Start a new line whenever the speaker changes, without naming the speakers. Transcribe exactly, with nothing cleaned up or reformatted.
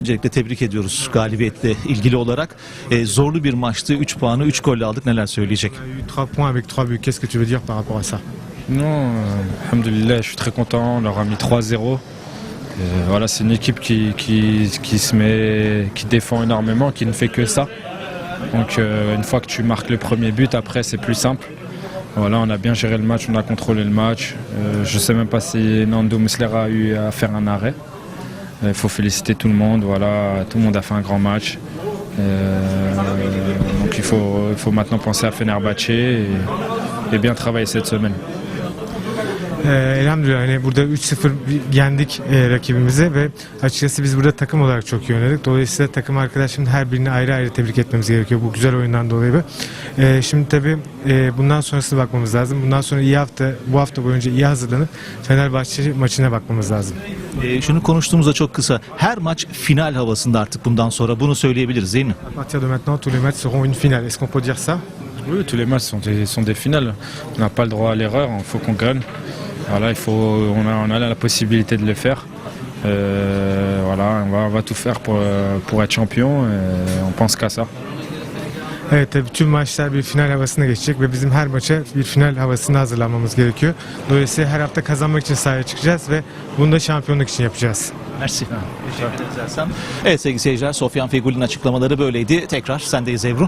Öncelikle tebrik ediyoruz galibiyetle ilgili olarak. E, zorlu bir maçtı. üç puanı üç golle aldık. Neler söyleyecek?
On a eu trois points avec trois buts. Qu'est-ce que tu veux dire par rapport à ça?
Non, euh, alhamdoulilah, je suis très content. On leur a mis trois zéro. Euh, voilà, c'est une équipe qui, qui, qui se met, qui défend énormément, qui ne fait que ça. Donc euh, une fois que tu marques le premier but, après c'est plus simple. Voilà, on a bien géré le match, on a contrôlé le match. Euh, je ne sais même pas si Nando Muslera a eu à faire un arrêt. Il faut féliciter tout le monde. Voilà, tout le monde a fait un grand match. Euh, donc il faut, il faut maintenant penser à Fenerbahçe et, et bien travailler cette semaine.
Ee, elhamdülillah hani burada üç sıfır yendik e, rakibimizi ve açıkçası biz burada takım olarak çok iyi oynadık. Dolayısıyla takım arkadaşımın her birini ayrı ayrı tebrik etmemiz gerekiyor bu güzel oyundan dolayı. E, şimdi tabii e, bundan sonrasına bakmamız lazım. Bundan sonra iyi hafta, bu hafta boyunca iyi hazırlanıp Fenerbahçe maçına bakmamız lazım.
E, şunu konuştuğumuzda çok kısa. Her maç final havasında artık bundan sonra. Bunu söyleyebiliriz değil mi?
À partir de maintenant, tous les matchs seront une finale. Est-ce qu'on peut dire ça?
Oui, tous les matchs sont des, sont des finales. On n'a pas le droit à l'erreur, il faut qu'on gagne. Voilà, il faut, on a, on a la possibilité de le faire. Euh, voilà, on va, on va tout faire pour, pour être champion. Et on pense qu'à ça.
Evet, tabii tüm maçlar bir final havasına geçecek ve bizim her maça bir final havasına hazırlanmamız gerekiyor. Dolayısıyla her hafta kazanmak için sahaya çıkacağız ve bunu da şampiyonluk için yapacağız.
Mersi. Teşekkür ederiz Ersan. Evet sevgili seyirciler, Sofyan Fegüli'nin açıklamaları böyleydi. Tekrar sendeyiz Ebru.